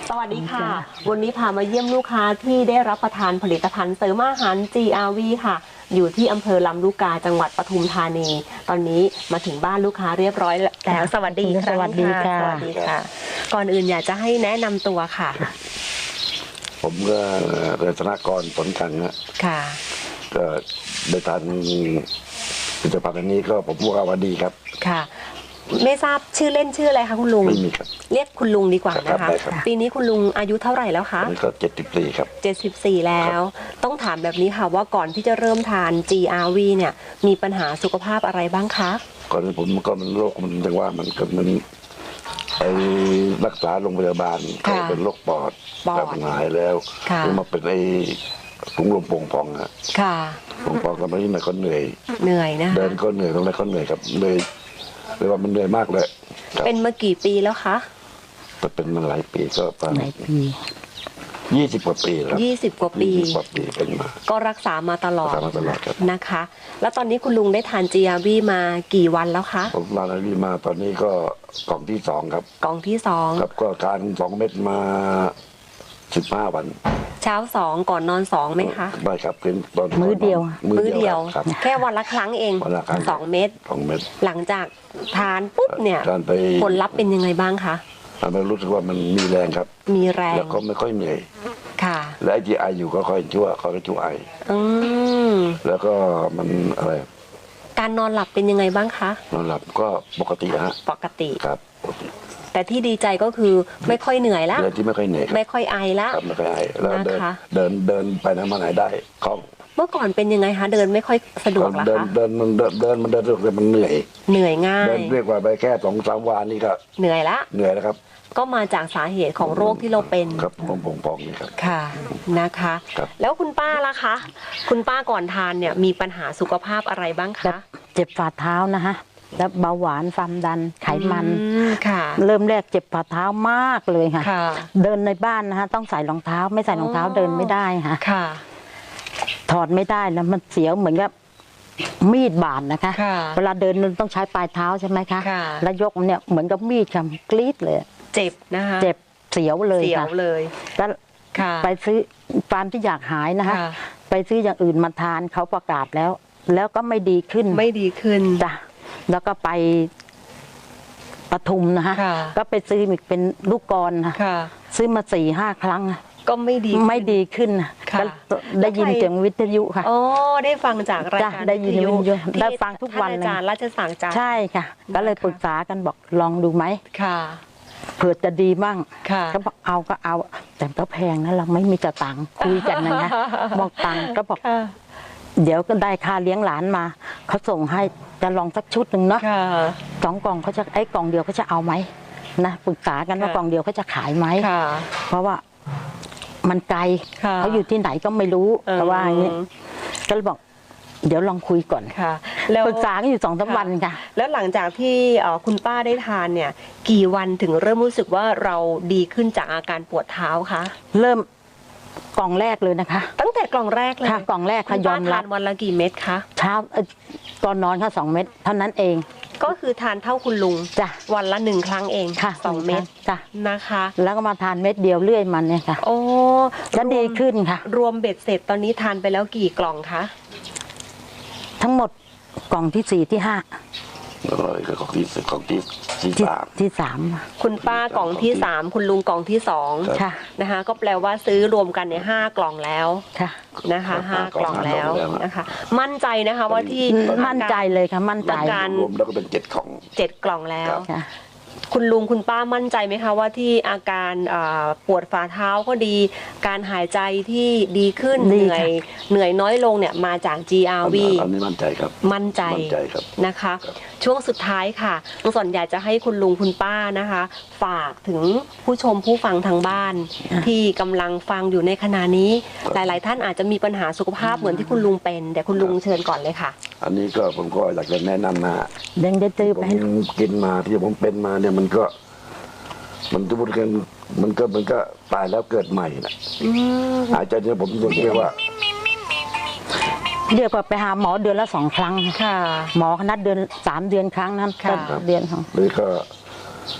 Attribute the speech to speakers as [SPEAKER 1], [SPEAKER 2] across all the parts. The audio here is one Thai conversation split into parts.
[SPEAKER 1] สวัสดีค่ะวันนี้พามาเยี่ยมลูกค้าที่ได้รับประทานผลิตภัณฑ์เสริมอาหาร GRV ค่ะอยู่ที่อำเภอลำลูกกาจังหวัดปทุมธานีตอนนี้มาถึงบ้านลูกค้าเรียบร้อยแล้วสวัสดีค่ะ
[SPEAKER 2] สวัสดีค่ะ
[SPEAKER 1] สวัสดีค่ะก่อนอื่นอยากจะให้แนะนำตัวค่ะ
[SPEAKER 3] ผมก็เรือธนากรผลกันนะ
[SPEAKER 1] ค่ะ
[SPEAKER 3] ก็ได้ทานผลิตภัณฑ์อันนี้ก็ผมว่าดีครับ
[SPEAKER 1] ค่ะไม่ทราบชื่อเล่นชื่ออะไรคะคุณลุง
[SPEAKER 3] ไม่มีครับ
[SPEAKER 1] เรียกคุณลุงดีกว่านะ
[SPEAKER 3] ครั
[SPEAKER 1] คะ
[SPEAKER 3] บได้ครับ
[SPEAKER 1] ปีนี้คุณลุงอายุเท่าไหร่แล้วคะ
[SPEAKER 3] อันนี้ก็74ครับ
[SPEAKER 1] 74 แล้ว ต้องถามแบบนี้ค่ะว่าก่อนที่จะเริ่มทาน GRV เนี่ยมีปัญหาสุขภาพอะไรบ้างคะ
[SPEAKER 3] ก่อนที่ผมก็มันโรคมันจังว่ามันไปรักษาโรงพยาบาลก็เป็นโรคปอดแต่มันหายแล้วมาเป็นถุงลมโป่งพองอะ
[SPEAKER 1] ค่ะ
[SPEAKER 3] โป่งพองก็ไม่ได้ก็เหนื่อย
[SPEAKER 1] เหนื่อยนะคะ
[SPEAKER 3] เดินก็เหนื่อยตรงไหนก็เหนื่อยครับเลยว่ามันเหนื่อยมากเลยครับ
[SPEAKER 1] เป็นมากี่ปีแล้วคะ
[SPEAKER 3] แต่เป็นมาหลายปีก็ประ
[SPEAKER 2] ห
[SPEAKER 3] มา
[SPEAKER 2] ลา
[SPEAKER 3] ณ
[SPEAKER 2] ยปี
[SPEAKER 3] 20 กว่าปีแล้ว
[SPEAKER 1] 20 กว่าปี
[SPEAKER 3] 20 กว่าปีเป็นมา
[SPEAKER 1] ก็รักษามาตลอด
[SPEAKER 3] รักษามาตลอดครับ
[SPEAKER 1] นะคะ แล้วตอนนี้คุณลุงได้ทาน GRV มากี่วันแล้วคะ
[SPEAKER 3] ผมมาแล้วนี่มาตอนนี้ก็กล่องที่2ครับ
[SPEAKER 1] กล่องที่
[SPEAKER 3] ครับก็ทาน2 เม็ดมา15 วัน
[SPEAKER 1] 2 เช้า 2 ก่อนนอน 2ไหมคะ
[SPEAKER 3] ไม่ครับเป็นตอน
[SPEAKER 2] มื้อเดียว
[SPEAKER 1] มื้อเดียว
[SPEAKER 3] ครับ
[SPEAKER 1] แค่วันละครั้งเอง
[SPEAKER 3] วันละครั้ง
[SPEAKER 1] 2 เม็ด
[SPEAKER 3] 2 เม็ด
[SPEAKER 1] หลังจากทานปุ๊บเนี่ย
[SPEAKER 3] ทานไป
[SPEAKER 1] ผลลัพธ์เป็นยังไงบ้างคะ
[SPEAKER 3] ทานไปรู้สึกว่ามันมีแรงครับ
[SPEAKER 1] มีแรง
[SPEAKER 3] แล้วก็ไม่ค่อยเหนื่อย
[SPEAKER 1] ค่ะ
[SPEAKER 3] และไอ้ที่ไออยู่ก็ค่อยชั่วเขาก็ชั่วไอ
[SPEAKER 1] อืม
[SPEAKER 3] แล้วก็มันอะไร
[SPEAKER 1] การนอนหลับเป็นยังไงบ้างคะ
[SPEAKER 3] นอนหลับก็ปกติฮะ
[SPEAKER 1] ปกติ
[SPEAKER 3] ครับปกติ
[SPEAKER 1] แต่ที่ดีใจก็คือไม่ค่อยเหนื่อยละ
[SPEAKER 3] เดินที่ไม่ค่อยเหนื่อยครับ
[SPEAKER 1] ไม่ค่อยไอละ
[SPEAKER 3] ครับไม่ค่อยไอแล้วเดิน
[SPEAKER 1] นะคะ
[SPEAKER 3] เดินไปไหนมาไหนได้คล่อง
[SPEAKER 1] เมื่อก่อนเป็นยังไงคะเดินไม่ค่อยสะดวกเหรอ
[SPEAKER 3] เดิน
[SPEAKER 1] คะ
[SPEAKER 3] เดินมันเดินมันเดินสะดวกแต่มันเหนื่อย
[SPEAKER 1] เหนื่อยง่า
[SPEAKER 3] เดิ
[SPEAKER 1] ย
[SPEAKER 3] นเรียกว่าไปแค่2-3 วันนี่ก็
[SPEAKER 1] เหนื่อยละ
[SPEAKER 3] เหนื่อยแล้วครับ
[SPEAKER 1] ก็มาจากสาเหตุของโรคที่เราเป็น
[SPEAKER 3] ครับผมพองนี่ครับ
[SPEAKER 1] ค่ะนะคะ
[SPEAKER 3] ครับ
[SPEAKER 1] แล้วคุณป้าล่ะคะ คุณป้าก่อนทานเนี่ยมีปัญหาสุขภาพอะไรบ้าง
[SPEAKER 2] แบ
[SPEAKER 1] คะ
[SPEAKER 2] บเจ็บฝ่าเท้านะฮะแล้วเบาหวานความดันไขมัน
[SPEAKER 1] ค่ะ
[SPEAKER 2] เริ่มแรกเจ็บฝ่าเท้ามากเลยค่ะ
[SPEAKER 1] ค่ะ
[SPEAKER 2] เดินในบ้านนะฮะต้องใส่รองเท้าไม่ใส่รองเท้าเดินไม่ได้ค่ะ
[SPEAKER 1] ค่ะ
[SPEAKER 2] ถอดไม่ได้แล้วมันเสียวเหมือนกับมีดบาดนะคะ
[SPEAKER 1] ค่ะ
[SPEAKER 2] เวลาเดินมันต้องใช้ปลายเท้าใช่ไหมคะ
[SPEAKER 1] ค่ะ
[SPEAKER 2] แล้วยกเนี่ยเหมือนกับมีดค่ะกรีดเลย
[SPEAKER 1] เจ็บนะคะ
[SPEAKER 2] เจ็บเสียวเลย
[SPEAKER 1] เสียว
[SPEAKER 2] ค่ะ
[SPEAKER 1] เลย
[SPEAKER 2] แล้ว
[SPEAKER 1] ค่ะ
[SPEAKER 2] ไปซื้อความที่อยากหายนะคะ
[SPEAKER 1] ค่ะ
[SPEAKER 2] ไปซื้ออย่างอื่นมาทานเขาประกาศแล้ว แล้วก็ไม่ดีขึ้น
[SPEAKER 1] ไม่ดีขึ้น
[SPEAKER 2] จ้ะแล้วก็ไปปทุมนะฮะ
[SPEAKER 1] ค่ะ
[SPEAKER 2] ก็ไปซื้ออีกเป็นลูกกรนะ
[SPEAKER 1] ค่ะ
[SPEAKER 2] ซื้อมา4-5 ครั้งอะ
[SPEAKER 1] ก็ไม่ดีขึ้น
[SPEAKER 2] ไม่ดีขึ้นนะ
[SPEAKER 1] ค่ะ
[SPEAKER 2] ก็ได้ยินเสียงวิทยุค่ะ
[SPEAKER 1] อ๋อได้ฟังจากราย
[SPEAKER 2] จ้ะ
[SPEAKER 1] การ
[SPEAKER 2] ได้ยิน
[SPEAKER 1] วิทยุ
[SPEAKER 2] วิทยุ
[SPEAKER 1] ที่
[SPEAKER 2] ได้ฟังทุกวัน
[SPEAKER 1] ท่า
[SPEAKER 2] เลย
[SPEAKER 1] อาจารย์ราชสังจารย์
[SPEAKER 2] ใช่ค่ะ ก็เลย
[SPEAKER 1] นะคะ
[SPEAKER 2] ปรึกษากันบอกลองดูไหม
[SPEAKER 1] ค่ะ
[SPEAKER 2] เผื่อจะดีมั่ง
[SPEAKER 1] ค่ะ
[SPEAKER 2] ก็บอกเอาก็เอา แต่ก็แพงนะเราไม่มีจะตังค์คุยกันนะบอกตังค์ก็บอก
[SPEAKER 1] ค่ะ
[SPEAKER 2] เดี๋ยวก็ได้ค่าเลี้ยงหลานมาเขาส่งให้จะลองสักชุดหนึ่งเนาะ
[SPEAKER 1] ค่ะ
[SPEAKER 2] 2 กล่องเขาจะกล่องเดียวเขาจะเอาไหมนะปรึกษากันว่า
[SPEAKER 1] ค่ะ
[SPEAKER 2] กล่องเดียวเขาจะขายไหม
[SPEAKER 1] ค่ะ
[SPEAKER 2] เพราะว่ามันไกล
[SPEAKER 1] ค่ะ
[SPEAKER 2] เขาอยู่ที่ไหนก็ไม่รู้แต่ว่าอย่างนี้ก็เลยบอก เดี๋ยวลองคุยก่อน
[SPEAKER 1] ค่ะ แล้ว
[SPEAKER 2] ปรึกษากันอยู่2-3 วันค่ะ
[SPEAKER 1] แล้วหลังจากที่คุณป้าได้ทานเนี่ย กี่วันถึงเริ่มรู้สึกว่าเราดีขึ้นจากอาการปวดเท้าคะ
[SPEAKER 2] เริ่มกล่องแรกเลยนะคะ
[SPEAKER 1] ตั้งแต่กล่องแรกเลย
[SPEAKER 2] ค่ะกล่องแรก
[SPEAKER 1] คุ
[SPEAKER 2] ค่ะ
[SPEAKER 1] ณ
[SPEAKER 2] ย
[SPEAKER 1] ป้า
[SPEAKER 2] อม
[SPEAKER 1] ทา
[SPEAKER 2] รับ
[SPEAKER 1] นวันละกี่เม็ดคะ
[SPEAKER 2] เช้าตอนนอนค่ะ2 เม็ดเท่านั้นเอง
[SPEAKER 1] ก็คือทานเท่าคุณลุง
[SPEAKER 2] จ้ะ
[SPEAKER 1] วันละ1 ครั้งเอง
[SPEAKER 2] ค่ะ
[SPEAKER 1] 2 เม็ด
[SPEAKER 2] จ้ะ
[SPEAKER 1] นะคะ
[SPEAKER 2] แล้วก็มาทานเม็ดเดียวเรื่อยมันเนี่ยค่ะ
[SPEAKER 1] โอ้
[SPEAKER 2] ก็ดีขึ้นค่ะ
[SPEAKER 1] รวมเบ็ดเสร็จตอนนี้ทานไปแล้วกี่กล่องคะ
[SPEAKER 2] ทั้งหมดกล่องที่4ที่5
[SPEAKER 3] แล้วก็ของที่
[SPEAKER 2] ที่
[SPEAKER 3] 3
[SPEAKER 2] 3
[SPEAKER 1] คุณป้ากล่องที่ 3 คุณลุงกล่องที่2
[SPEAKER 2] ค่ะ
[SPEAKER 1] นะคะ ก็แปลว่าซื้อรวมกันใน5 กล่องแล้ว
[SPEAKER 2] ค่ะ
[SPEAKER 1] นะคะ5 กล่องแล้วนะคะ มั่นใจนะคะว่าที่
[SPEAKER 2] มั่นใจเลยค่ะมั่นใจ
[SPEAKER 1] อาการ
[SPEAKER 3] รวมแล้วก็เป็น7 ของ
[SPEAKER 1] 7 กล่องแล้ว
[SPEAKER 2] ค่ะ
[SPEAKER 1] คุณลุงคุณป้ามั่นใจไหมคะว่าที่อาการปวดฝ่าเท้าก็ดี การหายใจที่ดีขึ้น
[SPEAKER 2] ดี
[SPEAKER 1] เหนื่อย
[SPEAKER 2] ค่ะ
[SPEAKER 1] เหนื่อยน้อยลงเนี่ยมาจาก GRV
[SPEAKER 3] อันนี้มั่นใจครับ
[SPEAKER 1] มั่นใจ
[SPEAKER 3] มั่นใจครับ
[SPEAKER 1] นะคะ ช่วงสุดท้ายค่ะลุงสนอยากจะให้คุณลุงคุณป้านะคะ ฝากถึงผู้ชมผู้ฟังทางบ้าน ที่กำลังฟังอยู่ในขณะนี้ หลาย ๆ ท่านอาจจะมีปัญหาสุขภาพเหมือนที่คุณลุงเป็นแต่คุณลุงเชิญก่อนเลยค่ะ
[SPEAKER 3] อันนี้ก็ผมก็อยากจะแนะนำนะ
[SPEAKER 2] ยังจะตื้อ
[SPEAKER 3] ผ
[SPEAKER 2] ไป
[SPEAKER 3] มกินมาที่ผมเป็นมาเนี่ยมันจะพูดกันมันก็ตายแล้วเกิดใหม่นะหายใจเนี่ยผมเรียกว่า
[SPEAKER 2] เรียกว่าไปหาหมอเดือนละ2 ครั้ง
[SPEAKER 1] ค่ะ
[SPEAKER 2] หมอเขานัดเดือน3 เดือนครั้งนั้น
[SPEAKER 1] ค่ะ
[SPEAKER 2] ก็เดือนของ
[SPEAKER 3] หรือก็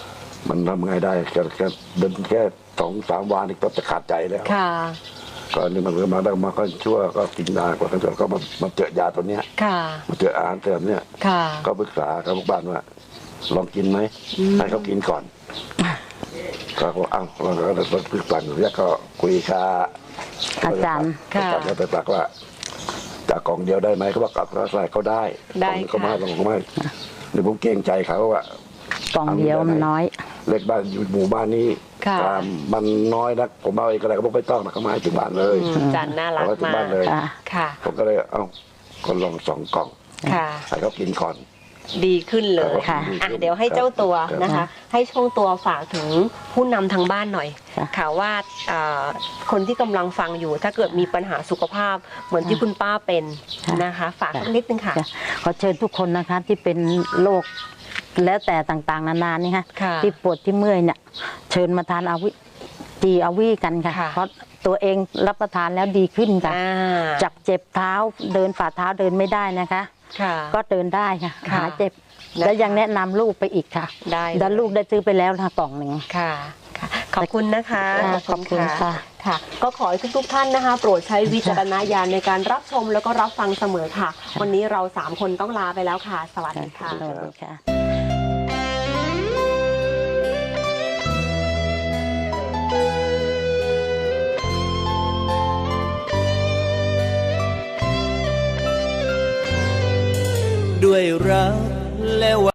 [SPEAKER 3] มันทำไงได้แค่เดินแค่2-3 วันนี่ก็จะขาดใจแล้ว
[SPEAKER 1] ค่ะ
[SPEAKER 3] ก็นี่มันก็มาได้มาก็ชั่วก็กินยากว่ากันจนก็มาเจอยาตัวเนี้ย
[SPEAKER 1] ค่ะ
[SPEAKER 3] มาเจออาหารเสริมเนี่ย
[SPEAKER 1] ค่ะ
[SPEAKER 3] ก็ปรึกษากับลูกบ้านว่า ลองกินไหมให้เขากินก่อนก็บอกอ้าวเราก็ปรึกษาอยู่เนี่ยก็คุยกับ
[SPEAKER 2] อาจารย์
[SPEAKER 1] ค่ะ
[SPEAKER 3] อาจารย์ก็ไปปากว่าจากกล่องเดียวได้ไหมเขาบอกกับใส่เขาได้
[SPEAKER 1] ได้
[SPEAKER 3] กล่อง
[SPEAKER 1] ค่ะ
[SPEAKER 3] ก็ไม่เดี๋ยวผมเกรงใจเขาว่าก
[SPEAKER 2] ล่องเดียวมันน้อย
[SPEAKER 3] เล็กบ้านอยู่หมู่บ้านนี้
[SPEAKER 1] ค่ะ
[SPEAKER 3] มันน้อยนะผมเอาเองก็ได้ก็บอกไม่ต้องนะเขามาให้ถึงบ้านเลย
[SPEAKER 1] จันน่ารัก
[SPEAKER 3] เอาไว้ที่
[SPEAKER 1] มา
[SPEAKER 3] บ้าก นเลย
[SPEAKER 2] ค่ะ
[SPEAKER 1] ค่ะ
[SPEAKER 3] ผมก็เลยเอาก็ลอง2 กล่อง
[SPEAKER 1] ค่ะ
[SPEAKER 3] ให้เขากินก่อน
[SPEAKER 1] ดีขึ้นเลย
[SPEAKER 2] ค่ะ
[SPEAKER 1] อ่ะเดี๋ยวให้เจ้าตัวนะคะ ให้ช่วงตัวฝากถึงผู้นำทางบ้านหน่อย
[SPEAKER 2] ค่ะ
[SPEAKER 1] ค่ะว่าคนที่กำลังฟังอยู่ถ้าเกิดมีปัญหาสุขภาพเหมือนที่คุณป้าเป็นนะคะ ฝากสักนิดนึงค่ะ
[SPEAKER 2] ค่ะขอเชิญทุกคนนะคะที่เป็นโรคแล้วแต่ต่างๆนานานี่ค่ะ
[SPEAKER 1] ค่ะ
[SPEAKER 2] ที่ปวดที่เมื่อยเนี่ยเชิญมาทานอาวิกันค่ะ
[SPEAKER 1] ค่ะ
[SPEAKER 2] เพราะตัวเองรับประทานแล้วดีขึ้นค่ะ
[SPEAKER 1] อ่า
[SPEAKER 2] จากเจ็บเท้าเดินฝ่าเท้าเดินไม่ได้นะคะ
[SPEAKER 1] ค่ะ
[SPEAKER 2] ก็เดินได้ค่ะ
[SPEAKER 1] ค่ะ
[SPEAKER 2] หายเจ็บ
[SPEAKER 1] นะคะ
[SPEAKER 2] แล้วยังแนะนำลูกไปอีกค่ะ
[SPEAKER 1] ได้
[SPEAKER 2] แล้วลูกได้ซื้อไปแล้วค่ะกล่องหนึ่ง
[SPEAKER 1] ค่ะค่ะ ขอบคุณนะคะ
[SPEAKER 2] ค่ะขอบคุณค่ะ
[SPEAKER 1] ค่ะ ก็ขอให้ทุกๆท่านนะคะ โปรดใช้วิจารณญาณในการรับชมแล้วก็รับฟังเสมอค่ะ วันนี้เรา3 คนต้องลาไปแล้วค่ะ สวัสดีค่ะ
[SPEAKER 2] สวัสดีค่ะ
[SPEAKER 4] ด้วยรักและ